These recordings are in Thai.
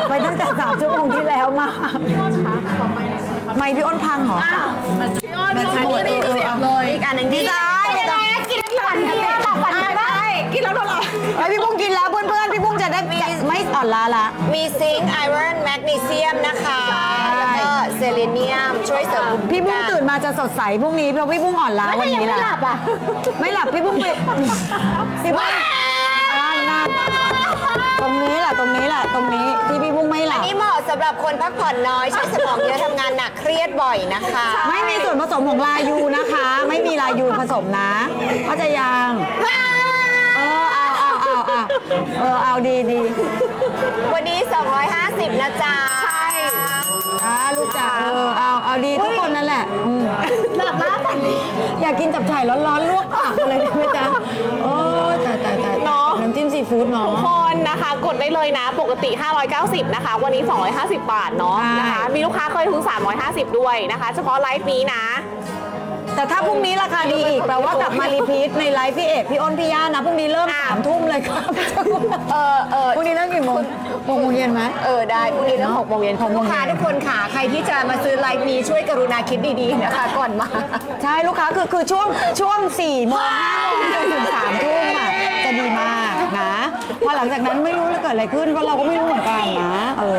ไปตั้งแต่3 ชั่วโมงที่แล้วมาไม่พี่อ้นพังเหรอมันหมดเลยอีกอันหนึ่งที่ได้กินแล้วหลับฝันได้กินแล้วหลับพี่ปุ้งกินแล้วเพื่อนๆพี่ปุ้งจะได้ไม่อ่อนล้าละมีซิงค์ไอรอนแมกนีเซียมนะคะแล้วก็เซเลเนียมช่วยเสริมพี่ปุ้งตื่นมาจะสดใสพรุ่งนี้เพราะพี่ปุ้งอ่อนล้าวันนี้แหละไม่หลับอ่ะไม่หลับพี่ปุ้งไปพี่ปุ้งตรงนี้แหละตรงนี้ที่พี่ปุ้งไม่หลับอันนี้เหมาะสำหรับคนพักผ่อนน้อยใช้สมองเยอะทำงานหนักเครียดบ่อยนะคะไม่มีส่วนผสมของลายูนะคะ ไม่มีลายูผสมนะเข้าใจยังเอาดีวันนี้250นะจ๊ะใช่ลูกจ๋าเอาดีทุกคนนั่นแหละหลับมากอยากกินจับฉ่ายร้อนๆลวกปากเลยได้ไหมจ๊ะโอ้ตายเนาะน้ำจิ้มซีฟู้ดเนาะทุกคนนะคะกดได้เลยนะปกติ590นะคะวันนี้250 บาทเนาะนะคะมีลูกค้าเคยถึง350ด้วยนะคะเฉพาะไลฟ์นี้นะแต่ถ้าพรุ่งนี้ราคาดีอีกแปลว่ากลับมารีพีทในไลฟ์พี่เอกพี่อ้นพี่ย่านะพรุ่งนี้เริ่ม3 ทุ่มเลยครับพรุ่งนี้เริ่มกี่โมง6 โมงเย็นไหมได้พรุ่งนี้เริ่ม6 โมงเย็นลูกค้าทุกคนค่ะใครที่จะมาซื้อไลฟ์นี้ช่วยกรุณาคิดดีๆนะคะก่อนมาใช่ลูกค้าคือช่วง4 โมง 5 โมงจนถึง3 ทุ่มอ่ะจะดีมากนะพอหลังจากนั้นไม่รู้จะเกิดอะไรขึ้นเพราะเราก็ไม่รู้เหมือนกันนะ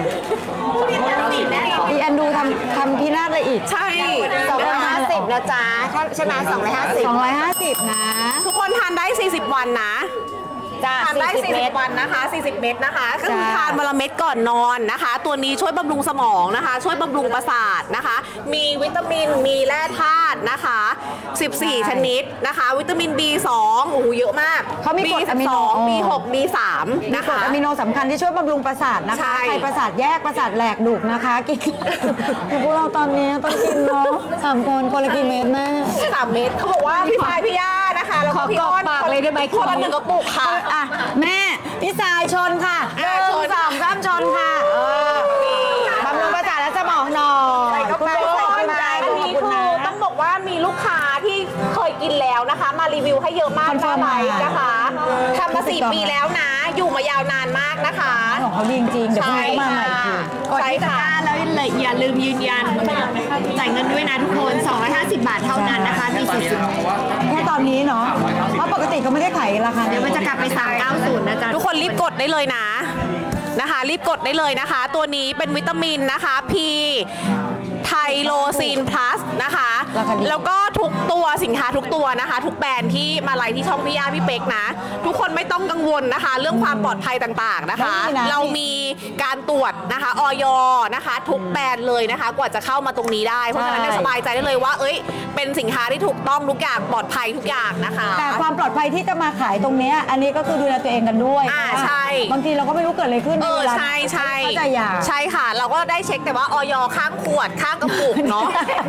อีแอนดูทำพินาศอะไรอีกใช่ 250นะจ๊ะใช่ไหม250 นะทุกคนทานได้40 วันนะทานได้40 วันนะคะ40 เม็ดนะคะก็คือทานวันละเม็ดก่อนนอนนะคะตัวนี้ช่วยบำรุงสมองนะคะช่วยบำรุงประสาทนะคะมีวิตามินมีแร่ธาตุนะคะ14 ชนิดนะคะวิตามิน B2 โอ้โหเยอะมากเขามีกรดอะมิโน B6 B3 นะคะอะมิโนสำคัญที่ช่วยบำรุงประสาทนะคะใครประสาทแยกประสาทแหลกดุกนะคะกินพวกเราตอนนี้ต้องกินเนาะ3 คนละกี่เม็ดแม่ 3 เม็ดเขาบอกว่าพี่พายพี่ย่านะคะแล้วก็พี่อ้อนปากเลยได้ไหมคนละ1 กระปุกค่ะแม่พี่สายชนค่ะ1 2 3ชนค่ะบำรุงประสาทและสมองหน่อยคุณโบอันนี้คือต้องบอกว่ามีลูกค้าที่เคยกินแล้วนะคะมารีวิวให้เยอะมากนะไลฟ์นะคะทำมา4 ปีแล้วนะอยู่มายาวนานมากนะคะของเขาดีจริงๆเดี๋ยวเขามาใหม่ใช่ค่ะแล้วอย่าลืมยืนยันจ่ายเงินด้วยนะทุกคน250 บาทเท่านั้นนะคะมีแค่ตอนนี้เนาะเพราะปกติก็ไม่ได้ขายราคาเดี๋ยวมันจะกลับไป390นะจ๊ะทุกคนรีบกดได้เลยนะคะรีบกดได้เลยนะคะตัวนี้เป็นวิตามินนะคะ P ไทโลซีนพลัสนะคะแล้วก็ทุกตัวสินค้าทุกตัวนะคะทุกแบรนด์ที่มาไลฟ์ที่ช่องพี่ย่าพี่เป๊กนะทุกคนไม่ต้องกังวลนะคะเรื่องความปลอดภัยต่างๆนะคะเรามีการตรวจนะคะอย.นะคะทุกแบรนด์เลยนะคะกว่าจะเข้ามาตรงนี้ได้เพราะฉะนั้นสบายใจได้เลยว่าเป็นสินค้าที่ถูกต้องทุกอย่างปลอดภัยทุกอย่างนะคะแต่ความปลอดภัยที่จะมาขายตรงนี้อันนี้ก็คือดูแลตัวเองกันด้วยใช่บางทีเราก็ไม่รู้เกิดอะไรขึ้นใช่ใช่ค่ะเราก็ได้เช็คแต่ว่าอย.ข้างขวดข้างกระปุกเนาะ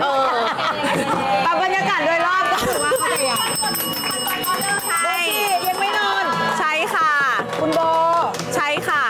บรรยากาศโดยรอบก็ถือว่าเขาใจอย่างใช่ยังไม่นอนใช่ค่ะคุณโบใช่ค่ะ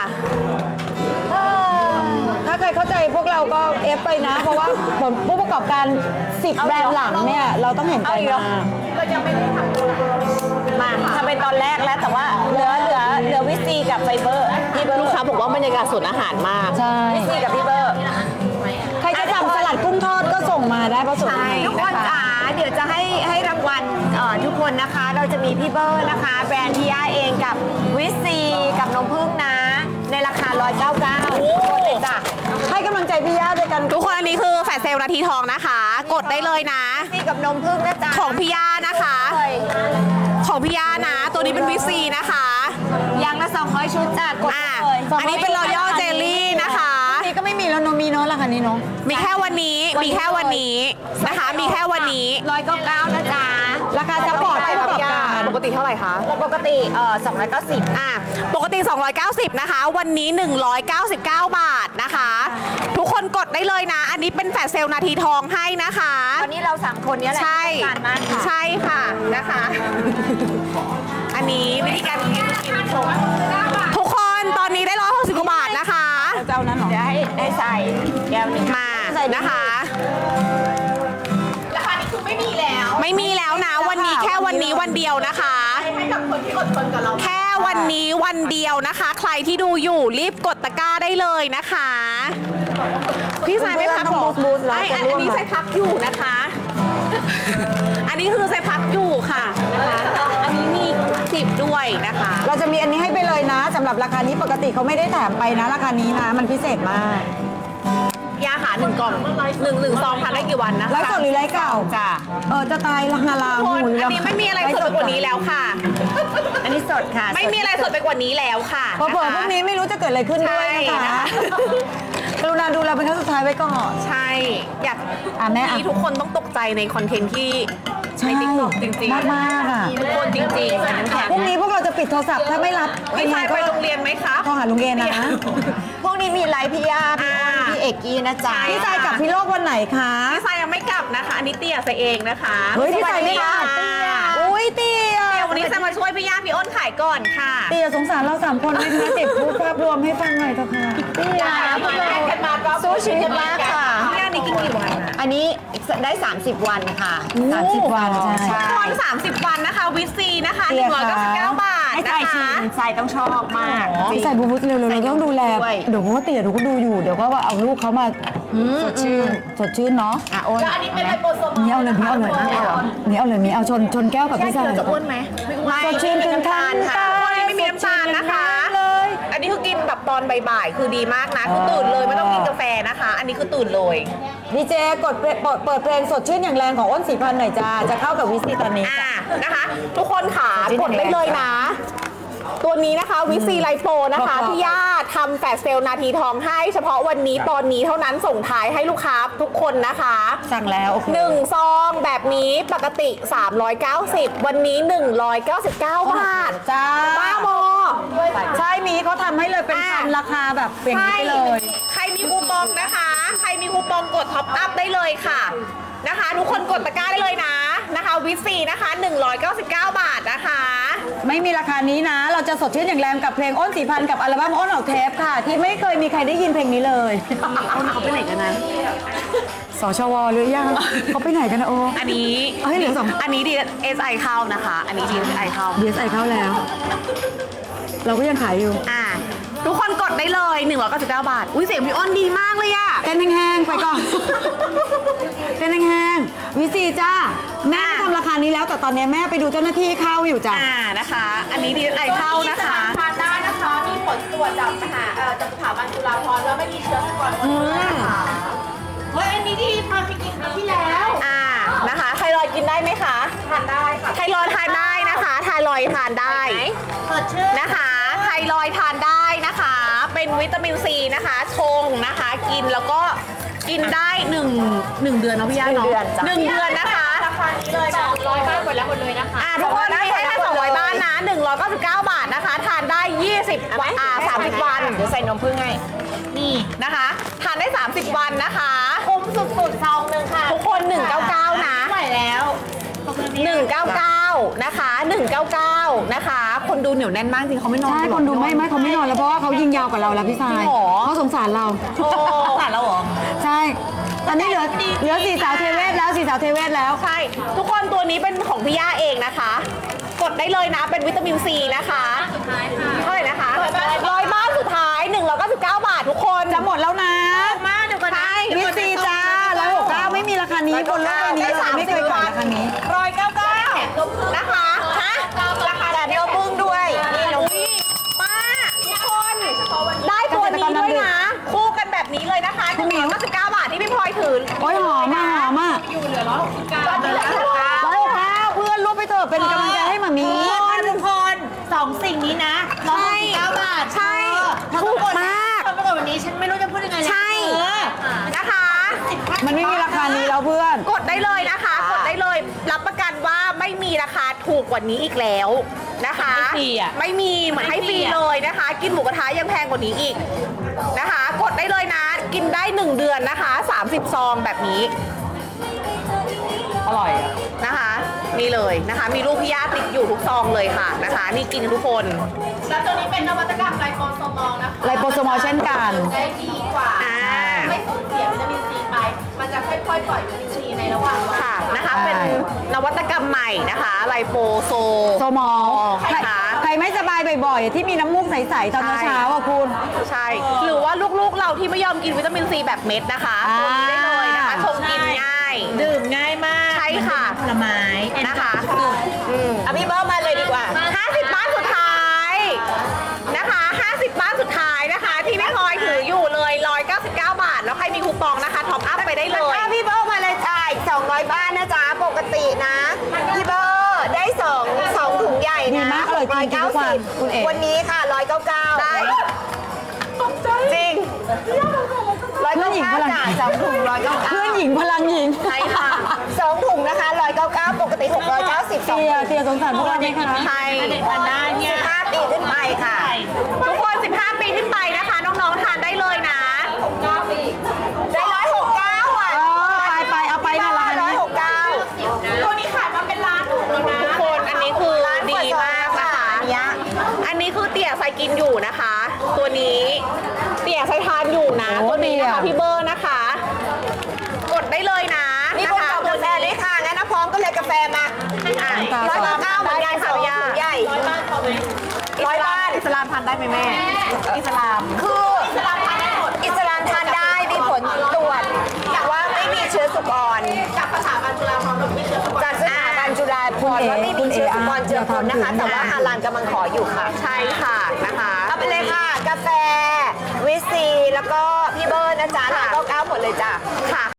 ถ้าใครเข้าใจพวกเราก็เอฟไปนะเพราะว่าผู้ประกอบการ10 แบรนด์หลังเนี่ยเราต้องเห็นใจมาเรายังไม่ได้ทำเป็นตอนแรกแล้วแต่ว่าเหลือวิซีกับไฟเบอร์ที่ลูกค้าบอกว่าบรรยากาศสวนอาหารมากใช่วิซีกับพี่เบอร์ใครจะสั่งสลัดกุ้งทอดก็ส่งมาได้เพราะสวนอาหารทุกคนจ๋าเดี๋ยวจะให้รางวัลทุกคนนะคะเราจะมีพี่เบอร์นะคะแบรนด์ที่ย่าเองกับวิซีกับนมผึ้งนะในราคา199ทุกคนเลยจ้ะให้กำลังใจพี่ย่าด้วยกันทุกคนอันนี้คือแฟลชเซลนาทีทองนะคะกดได้เลยนะวิซีกับนมผึ้งนะจ๊ะของพี่ย่านะคะของพี่ย่านะตัวนี้เป็นวิซีนะคะยังละ200 ชุดจ้ะกดเลยอันนี้เป็นรอยัลเจลลี่นะคะนี่ก็ไม่มีแล้วมีเนาะราคานี้เนาะมีแค่วันนี้นะคะมีแค่วันนี้ 199นะจ๊ะราคาจะปลอดผู้ประกอบการปกติเท่าไหร่คะปกติ290 ปกติ290นะคะวันนี้199 บาทนะคะทุกคนกดได้เลยนะอันนี้เป็นแฟลชเซลนาทีทองให้นะคะวันนี้เรา3 คนนี้แหละใช่ค่ะนะคะอันนี้วิธีการกินทุกคนตอนนี้ได้160 กว่าบาทนะคะเจ้านั้นหรอเดี๋ยวให้ใส่แก้วนี้มานะคะราคานี้คือไม่มีแล้วนะวันนี้แค่วันนี้วันเดียวนะคะให้กับคนที่อดทนกับเราแค่วันนี้วันเดียวนะคะ ใครที่ดูอยู่รีบกดตะกร้าได้เลยนะคะ พี่สายไม่พักหรอบูสแล้วอันนี้ใส่พักอยู่นะคะ อันนี้คือใส่พักอยู่ค่ะนะคะอันนี้มี10ด้วยนะคะเราจะมีอันนี้ให้ไปเลยนะสำหรับราคานี้ปกติเขาไม่ได้แถมไปนะราคานี้นะมันพิเศษมากยาค่ะ1 กล่อง1 ซองทานได้กี่วันนะคะไลฟ์สดหรือไลฟ์เก่าจ้ะจะตายละฮาลาทุกคนหูอันนี้ไม่มีอะไรสดไปกว่านี้แล้วค่ะอันนี้สดค่ะไม่มีอะไรสดไปกว่านี้แล้วค่ะพอเผื่อพรุ่งนี้ไม่รู้จะเกิดอะไรขึ้นด้วยใช่นะนะคะคะกรุณาดูเราเป็นครั้งสุดท้ายไว้ก่อนใช่ อยากแม่อ่ะที่ทุกคนต้องตกใจในคอนเทนต์ที่ในติ๊กต็อกจริงๆมากมากๆอ่ะทุกคนจริงๆอันนั้นแถมพรุ่งนี้พวกเราจะปิดโทรศัพท์ถ้าไม่รับพี่ชายไปโรงเรียนไหมครับโทรหาลุงเอนะพวกนี้มีไลฟ์พี่ย่าพี่อ้นอ่าพี่เอกกี้นะจ๊ะพี่ชายกับพี่โลกวันไหนคะพี่ชายยังไม่กลับนะคะ อันนี้เตี้ยใส่เองนะคะเฮ้ยพี่ชายไม่กลับสวัสดีค่ะอุ้ยเตี้ยเดี๋ยววันนี้จะมาช่วยพี่ย่าพี่อ้นขายก่อนค่ะเตี้ยสงสารเรา3 คนไหมคะเจ็บพูดภาพรวมให้ฟังหน่อยเถอะค่ะเตี้ยสู้ชีวิตมากค่ะพี่ย่านี่กินกี่วันนะอันนี้ได้ 30 วันค่ะ 30 วันใช่ตอน30 วันนะคะวิซีนะคะเตี้ยค่ะ 199 บาทให้นะใส่ชิคะมใส่ต้องชอบมากพี่ชายบูบูเร็วๆเราต้องดูแลด้วยเดี๋ยวเขาก็เตี๋ยเดี๋ยวก็ดูอยู่เดี๋ยวก็ว่าเอาลูกเขามาสดชื่นเนาะอ่ะโอ้ยแล้วอันนี้เป็นไลโปโซมอลนี่เอาเลยนี่เอาเลยนี่เอาชนแก้วกับพี่ชายจะอ้วนไหมสดชื่นถึงทันค่ะไม่มีน้ำตาลนะคะเลยอันนี้คือกินแบบตอนบ่ายๆ คือดีมากนะ คือตื่นเลยไม่ต้องกินกาแฟนะคะ อันนี้คือตื่นเลยดีเจกดเปิดเพลงสดชื่นอย่างแรงของอ้นสีพันหน่อยจ้าจะเข้ากับวิซีตอนนี้นะคะ ทุกคนขากดได้เลยนะ ตัวนี้นะคะวิซีไลโปนะคะพี่ย่าทำแฟลชเซลล์นาทีทองให้เฉพาะวันนี้ตอนนี้เท่านั้นส่งท้ายให้ลูกค้าทุกคนนะคะสั่งแล้วโอเค 1 ซองแบบนี้ปกติ 390 วันนี้ 199 บาทจ้าบ้าบอใช่มีเขาทำให้เลยเป็นพันราคาแบบเปลี่ยนนี้ไปเลยใครมีคูปองนะคะ ใครมีคูปองกดท็อปอัพได้เลยค่ะนะคะ ทุกคนกดตะกร้าได้เลยนะคะวิซีนะคะ 199 บาทนะคะไม่มีราคานี้นะ เราจะสดชื่นอย่างแรงกับเพลงอ้นสีพันกับอัลบั้มอ้นออกเทปค่ะ ที่ไม่เคยมีใครได้ยินเพลงนี้เลยเขาไปไหนกันนะสชวหรือยังเขาไปไหนกันนะโออันนี้เอ้ยเหลือสองอันนี้ DSI เข้านะคะ อันนี้ DSI เข้า DSI เข้าแล้ว เราก็ยังขายอยู่ทุกคนกดได้เลย 199 บาท อุ้ยเสียงพี่อ้นดีมากเลยอะเต้นแห้งๆไปก่อน เต้นแห้งๆวิซีจ้าแม่ทำราคานี้แล้วแต่ตอนนี้แม่ไปดูเจ้าหน้าที่เข้าอยู่จ้ะนะคะ อันนี้ DSI เข้านะคะทานได้นะคะ มีผลตรวจจากจากสถาบันจุฬาภรณ์แล้วไม่มีเชื้อไวรัสนะคะเฮ้ย อันนี้ดีทานไปกินครั้งที่แล้วนะคะ ไทรอยด์กินได้ไหมคะทานได้ค่ะไทรอยด์ทานได้นะคะ ไทรอยด์ทานได้สดชื่นนะคะ ไทรอยด์ทานได้นะคะ เป็นวิตามินซีนะคะ ชงนะคะ กินแล้วก็กินได้1 เดือนเนาะพี่ย่าเนาะ1 เดือนนะคะราคานี้เลย200บาทหมดแล้วหมดเลยนะคะทุกคนมีให้แค่200 บ้านนะ 199 บาทนะคะ ทานได้ 20 วัน30 วันเดี๋ยวใส่นมผึ้งให้นี่นะคะ ทานได้ 30 วันนะคะคุ้มสุดๆซองหนึ่งค่ะทุกคน199นะไม่ไหวแล้วขอบคุณพี่ 199นะคะ199นะคะ คนดูเหนียวแน่นมากจริงเขาไม่นอนใช่คนดูไม่เขาไม่นอนแล้วเพราะว่าเขายิงยาวกว่าเราแล้วพี่ชายหรอเขาสงสารเราโอ้ผ่านแล้วเหรอใช่ ตอนนี้เหลือสี่สาวเทเวศแล้วสี่สาวเทเวศแล้วใช่ ทุกคนตัวนี้เป็นของพี่ย่าเองนะคะ กดได้เลยนะ เป็นวิตามินซีนะคะสุดท้ายค่ะเท่าไหร่นะคะ100 บ้านสุดท้าย199 บาททุกคนจะหมดแล้วนะมาเดี๋ยวก่อนนะวิซีจ้า169ไม่มีราคานี้บนโลกใบนี้เลยไม่เคยขายราคานี้ 199นะคะฮะราคาแบบนมพึ่งด้วยนี่นมมาทุกคนได้ตัวนี้ด้วยนะ คู่กันแบบนี้เลยนะคะ199 บาทที่พี่พลอยถือโอ้ยหอมมากหอมมากอยู่เหลือ169 ตอนนี้เหลือ169 169เพื่อนร่วมไปเถอะเป็นกำลังใจให้หมามีทุกคนสองสิ่งนี้นะ169 บาทใช่ถูกมากทำไปก่อนวันนี้ฉันไม่รู้จะพูดยังไงใช่นะคะมันไม่มีราคานี้แล้วเพื่อนกดได้เลยนะคะ กดได้เลย รับประกันว่าไม่มีราคาถูกกว่านี้อีกแล้วนะคะไม่ฟรีอ่ะไม่มีเหมือนให้ฟรีเลยนะคะ กินหมูกระทะยังแพงกว่านี้อีกนะคะ กดได้เลยนะ กินได้ 1 เดือนนะคะ 30 ซองแบบนี้อร่อยนะคะ นี่เลยนะคะ มีรูปพี่ย่าติดอยู่ทุกซองเลยค่ะนะคะ นี่กินทุกคนแล้วตัวนี้เป็นนวัตกรรมไลโปโซมอลนะคะไลโปโซมอลเช่นกันได้ดีกว่าอ่าไม่สูญเสียวิตามินซีไป มันจะค่อยๆปล่อยวิตามินซีในระหว่างวันค่ะนะคะ เป็นนวัตกรรมใหม่นะคะ ไลโปโซโซมอลใครคะใครไม่สบายบ่อยๆ ที่มีน้ำมูกใสๆตอนเช้าๆอ่ะคุณใช่ หรือว่าลูกๆเราที่ไม่ยอมกินวิตามินซีแบบเม็ดนะคะตัวนี้ได้เลยนะคะชงกินง่ายดื่มง่ายมากใช่ค่ะผลไม้นะคะเอาพี่เบิร์ดมาเลยดีกว่า 50 บ้านสุดท้ายนะคะ 50 บ้านสุดท้ายนะคะ ที่พี่พลอยถืออยู่เลย 199 บาท แล้วใครมีคูปองนะคะท็อปอัพไปได้เลยถ้าพี่เบิร์ดมาเลยจ่าย200 บ้านนะจ๊ะ ปกตินะ พี่เบิร์ดได้2ถุงใหญ่ดีนะมากอร่อยจริงๆทุกวันคุณเอ๋วันนี้ค่ะ 199 ได้จริงเพื่อนหญิงพลังจ่าย2ถุง199 เพื่อนหญิงพลังหญิงใช่ค่ะ 2ถุงนะคะ199 ปกติ690 เตียสงสารพวกเราไหมคะใช่เด็กทานได้เนี่ย 15 ปีขึ้นไปค่ะทุกคน 15 ปีขึ้นไปนะคะ น้องๆ ทานได้เลยนะได้169อ่ะไปเอาไปนะร้านนี้ 169 ตัวนี้ขายมาเป็นล้านถุงแล้วนะทุกคนอันนี้คือดีมากนะคะอันเนี้ยอันนี้คือเตี่ยใส่กินอยู่นะคะ ตัวนี้เตี่ยใส่ทานอยู่นะโอ้ตัวนี้นะดีคะอะพี่เบอร์นะคะ กดได้เลยนะมีนะคนคะเอากาแฟด้วยค่ะ งั้นนะพร้อมก็เลยกาแฟมา 199เหมือนกัน2ถุงใหญ่ร้อยบ้านพอไหม 100 บ้านอิสลามทานได้ไหมแม่ อิสลามคืออิสลามทานได้หมดอิสลามทานได้มีผลตรวจว่าไม่มีเชื้อสุกรจากสถาบันจุฬาภรณ์เราไม่เชื่อสก่อนจากสถาบันจุฬาภรณ์ว่าไม่มีเชื้อสุกรเจือปนนะคะ แต่ว่าฮาลานกำลังขออยู่ค่ะใช่ค่ะนะคะเอาไปเลยค่ะ กาแฟวิสซีแล้วก็พี่เบิร์ดนะจ๊ะ199หมดเลยจ้ะค่ะ